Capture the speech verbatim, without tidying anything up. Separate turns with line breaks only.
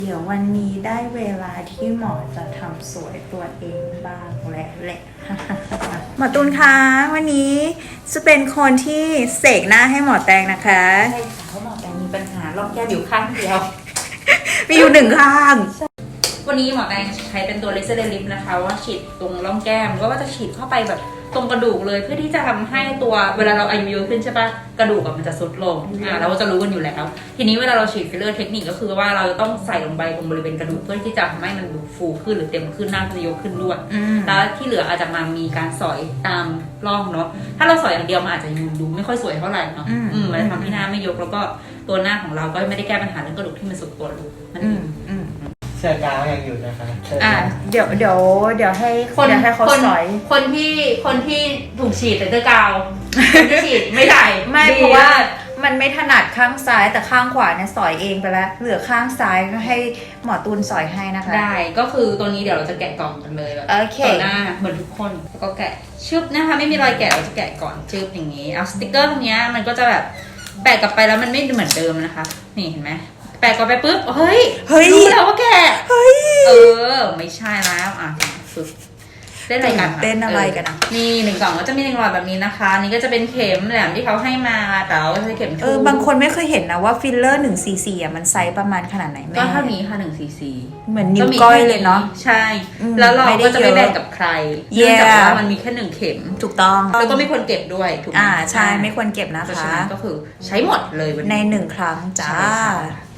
เดี๋ยววันนี้ได้เวลาที่หมอจะทำสวยตัวเองบ้างแล้วแหละ หมอตูนคะวันนี้จะเป็นคนที่เสกหน้าให้หมอแตงนะคะ
ใช่ค่ะเพราะหมอแตงมีปัญหาร่องแก้มอยู่ข้างเดียว
มีอยู่หนึ่งข้าง
วันนี้หมอแตงใช้เป็นตัวเลเซอร์ลิปนะคะว่าฉีดตรงร่องแก้มก็ว่าจะฉีดเข้าไปแบบตรงกระดูกเลยเพื่อที่จะทำให้ตัวเวลาเราอายุเยอะขึ้นใช่ปะกระดูกมันจะทรุดลงอ่าเราก็จะรู้กันอยู่แล้วทีนี้เวลาเราฉีดฟิลเลอร์เทคนิคก็คือว่าเราจะต้องใส่ลงไปตรงบริเวณกระดูกเพื่อที่จะทำให้มันดูฟูขึ้นหรือเต็มขึ้นหน้าจะยกขึ้นด้วยแล้วที่เหลืออาจจะมามีการสอยตามร่องเนาะถ้าเราสอยอย่างเดียวมันอาจจะดูไม่ค่อยสวยเท่าไหร่เนาะอืมมันจะทำให้หน้าไม่ยกแล้วก็ตัวหน้าของเราก็ไม่ได้แก้ปัญหาเรื่องกระดูกที่มันสุดตัวลงนั่นเอง
เสื้อกาวยังอยู่นะคะ
อ่าเดี๋ยวเดี๋ยวเดี๋ยวให้คนให้เขาสอย
คนที่คนที่ถูกฉีดแต่เสื้อกาวคนที่ฉีดไม่ได้
ไม่เพราะว่ามันไม่ถนัดข้างซ้ายแต่ข้างขวาเนี่ยสอยเองไปแล้วเหลือข้างซ้ายก็ให้หมอตูนสอยให้นะคะ
ได้ก็คือตัวนี้เดี๋ยวเราจะแกะกล่องกันเลยแบบต่อหน้าเหมือนทุกคนแล้วก็แกะชึบนะคะไม่มีรอยแกะเราจะแกะก่อนชึบอย่างนี้เอาสติกเกอร์ตรงนี้มันก็จะแบบแปะกลับไปแล้วมันไม่เหมือนเดิมนะคะนี่เห็นไหมแปะกลับไปปุ๊บเฮ้ยรู้แล้วว่าแกเฮ้ยเออไม่ใช่แล้วอ่ะฝึกเต้นอะไรกัน
เต้นอะไรกันอ่ะ
นี่หนึ่งกล่องก็จะมีหนึ่งหลอดแบบนี้นะคะนี่ก็จะเป็นเข็มแหลมที่เขาให้มาแต่ว่าใช้เข็ม
เออบางคนไม่เคยเห็นนะว่าฟิลเลอร์หนึ่งซีซีอ่ะมันไซส์ประมาณขนาดไหนแม่
ก็เท่านี้ค่ะหนึ่งซีซี
เหมือนนิ้วก้อยเลยเนาะ
ใช่แล้วเราก็จะไม่แบ่งกับใครเนื่องจากว่ามันมีแค่หนึ่งเข็ม
ถูกต้อง
แล้วก็ไม่ควรเก็บด้วยถูกไหม
อ่าใช่ไม่ควรเก็บนะคะ
ก็คือใช้หมดเลย
ในหนึ่งครั้งจ้า